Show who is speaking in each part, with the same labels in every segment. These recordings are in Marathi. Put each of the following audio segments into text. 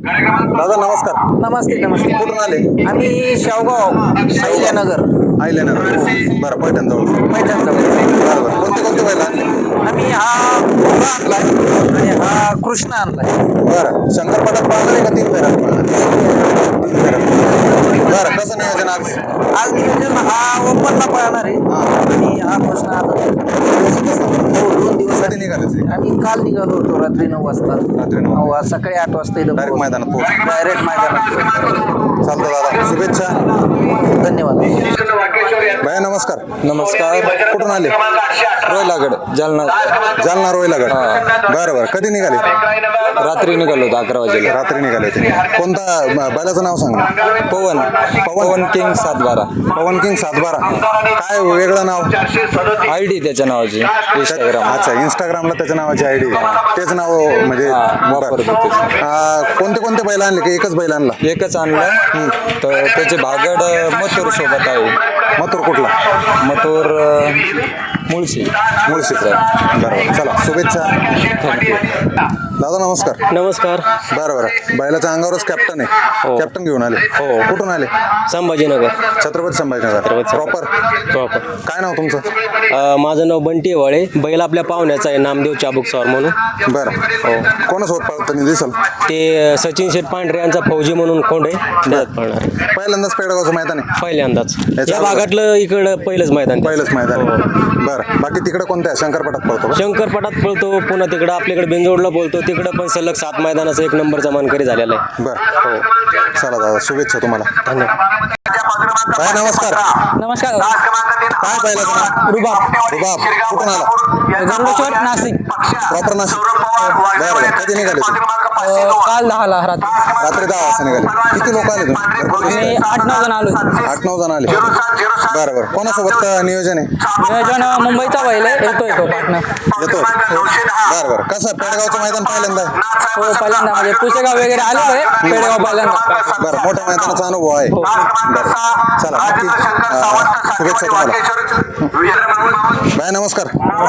Speaker 1: दादा नमस्कार.
Speaker 2: नमस्ते नमस्ते.
Speaker 1: कुठून आले?
Speaker 2: आम्ही शेवगाव अहिल्यानगर.
Speaker 1: अहिल्यानगर. बरं पैठण जवळ.
Speaker 2: मैदानजवळ.
Speaker 1: बरं बरं. कोणते कोणते बैल आणले?
Speaker 2: आम्ही हा भोगा आणलाय आणि हा कृष्ण आणलाय.
Speaker 1: बरं शंकरपटात पाळणार आहे का 3 फेऱ्यात पाळणार? 3 फेऱ्यात. बरं कसं नियोजन आज?
Speaker 2: आज नियोजन हा ओपनला पळणार आहे आणि हा कृष्ण आता 2 दिवसासाठी
Speaker 1: निघाले
Speaker 2: आम्ही काल निघालो होतो रात्री 9 वाजता.
Speaker 1: रात्री 9
Speaker 2: हो, आज सकाळी 8 वाजता इथं
Speaker 1: डायरेक्ट मैदानात पोहोच.
Speaker 2: डायरेक्ट मैदानात.
Speaker 1: चालतं दादा शुभेच्छा.
Speaker 2: धन्यवाद.
Speaker 1: भैया नमस्कार.
Speaker 3: नमस्कार.
Speaker 1: कुठून आले?
Speaker 3: रोयलागड जालना.
Speaker 1: जालना रोहिलागड. बरं बरं कधी निघाले?
Speaker 3: रात्री निघालो होतो 11 वाजेला.
Speaker 1: रात्री निघाले होते. कोणता बैलाचं नाव सांगा?
Speaker 3: पवन पवन किंग 712.
Speaker 1: पवन किंग 712. काय वेगळं नाव?
Speaker 3: आयडी त्याच्या नावाची इंस्टाग्राम.
Speaker 1: अच्छा इंस्टाग्रामला त्याच्या नावाची आयडी तेच नाव म्हणजे
Speaker 3: वापरतो तेच.
Speaker 1: कोणते कोणते बैल आणले की एकच बैल आणला?
Speaker 3: एकच आणलं तर त्याचे भागड मथुर सोबत आहे.
Speaker 1: मथुर कुठला?
Speaker 3: मथुर मुळशी.
Speaker 1: मुळशीचा. बरं चला शुभेच्छा.
Speaker 3: थँक्यू.
Speaker 1: दादा नमस्कार.
Speaker 4: नमस्कार.
Speaker 1: बरं बरं बैलाच्या अंगावरच कॅप्टन आहे. कॅप्टन घेऊन आले.
Speaker 4: हो.
Speaker 1: कुठून आले?
Speaker 4: संभाजीनगर.
Speaker 1: छत्रपती संभाजीनगर. Proper
Speaker 4: proper.
Speaker 1: काय नाव तुमचं?
Speaker 4: माझं नाव बंटी वाळे. बैल आपल्या पाहुण्याचा आहे नामदेव चाबुक स्वार म्हणून.
Speaker 1: बरं हो कोणासोबत पळताना दिसल?
Speaker 4: ते सचिन शेठ पांढरे यांचा फौजी म्हणून कोंड आहे त्यात पळणार.
Speaker 1: पहिल्यांदाच पेडगावचं मैदान आहे.
Speaker 4: पहिल्यांदाच
Speaker 1: याच्या
Speaker 4: या भागातलं इकडं पहिलंच मैदान.
Speaker 1: पहिलंच मैदान आहे. बरं बाकी तिकडे कोणत्या शंकरपटात पळतो का?
Speaker 4: शंकरपटात पळतो पुन्हा तिकडं आपल्याकडे बिंजोडला बोलतो तिकडं पण सलग 7 मैदानाचा 1 नंबरचा मानकरी झालेला आहे.
Speaker 1: बरं हो चला दादा शुभेच्छा तुम्हाला.
Speaker 4: धन्यवाद.
Speaker 1: काय नमस्कार.
Speaker 2: नमस्कार.
Speaker 1: काय बैलाचं नाव?
Speaker 2: रुबाब.
Speaker 1: रुबाब. कुठून आला?
Speaker 2: गरुडेश्वर नाशिक.
Speaker 1: प्रॉपर नाशिक. बरं बरं कधी निघाले तुम्ही?
Speaker 2: काल 10ला रात्री.
Speaker 1: रात्री 10 वाजता निघाले. किती लोक आले तुम्ही?
Speaker 2: आम्ही 8-9 जण आलो.
Speaker 1: 8-9 जण आले. बरं बरं कोणासोबत नियोजन आहे?
Speaker 2: नियोजन मुंबईचा बैल आहे. येतोय तो पार्टनर.
Speaker 1: येतो. बरं बरं कसं पेडगावचं मैदान पहिल्यांदा आहे?
Speaker 2: हो पहिल्यांदा म्हणजे पुसेगाव वगैरे आलेलो आहे. पेडगाव पहिल्यांदा.
Speaker 1: बरं मोठ्या मैदानाचा अनुभव आहे. बरं चला नक्की शुभेच्छा तुम्हाला. बाय नमस्कार.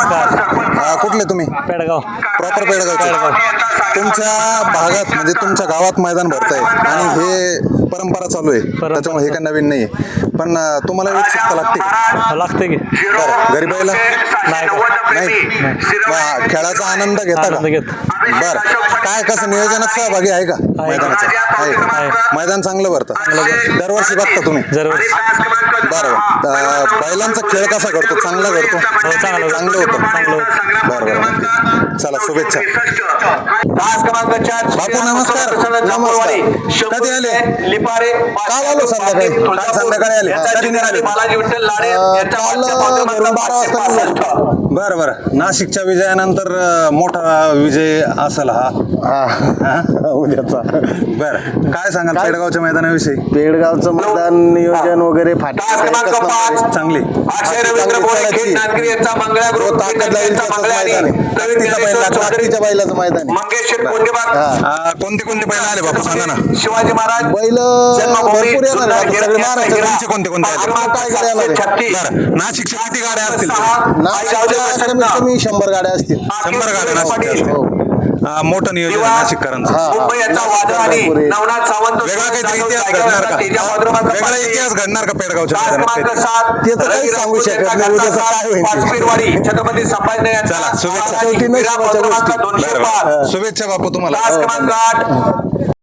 Speaker 1: कुठले तुम्ही?
Speaker 4: पेडगाव.
Speaker 1: प्रॉपर पेडगावचे. तुमच्या भागात म्हणजे तुमच्या गावात मैदान भरतंय आणि हे परंपरा चालू आहे त्याच्यामुळे हे काही नवीन नाही पण तुम्हाला उत्सुकता लागते का?
Speaker 4: लागते की.
Speaker 1: बरं घरी पहिला नाही खेळाचा आनंद घेता का? बरं काय कसं नियोजनात सहभागी आहे का मैदानाचं? आहे. मैदान चांगलं भरतं. दरवर्षी बघता तुम्ही? बरं बैलांचा खेळ कसा करतो? चांगला करतो. चांगलं होतं. बरं बरं नक्की. चला शुभेच्छा. बापू नमस्कार. नमस्कार. कधी आले? काल आलो संध्याकाळी. काल संध्याकाळी आले. कधी निघाले? काल घरून 12 वाजता निघालो. बरं बरं नाशिकच्या विजयानंतर मोठा विजय असेल हा उद्याचा. बरं काय सांगाल पेडगावच्या मैदानाविषयी?
Speaker 5: पेडगावचं मैदान नियोजन वगैरे
Speaker 1: चांगली बैलाचं मैदान आहे. कोणते कोणते बैल आले बापू सांगा ना.
Speaker 2: शिवाजी महाराज
Speaker 5: बैल भरपूर येणार आहे. सगळे महाराष्ट्राचे
Speaker 1: कोणते कोणते आले?
Speaker 5: काय गाड्या येणार आहे?
Speaker 1: बरं नाशिकच्या किती गाड्या असतील?
Speaker 5: नाशिकच्या कमीत कमी 100 गाड्या असतील.
Speaker 1: 100 गाड्या नाशिकच्या असतील. मोठं नियोजन नाशिककरांचं. वेगळा काहीतरी इतिहास घडणार का? वेगळा इतिहास घडणार का पेडगावच्या मैदानात?
Speaker 5: ते तर काही सांगू शकत नाही. उद्याचं काय होईल?
Speaker 2: छत्रपती संभाजीनगर.
Speaker 1: चला शुभेच्छा.
Speaker 5: शेवटी नशिबाच्या गोष्टी.
Speaker 1: शुभेच्छा बापू तुम्हाला.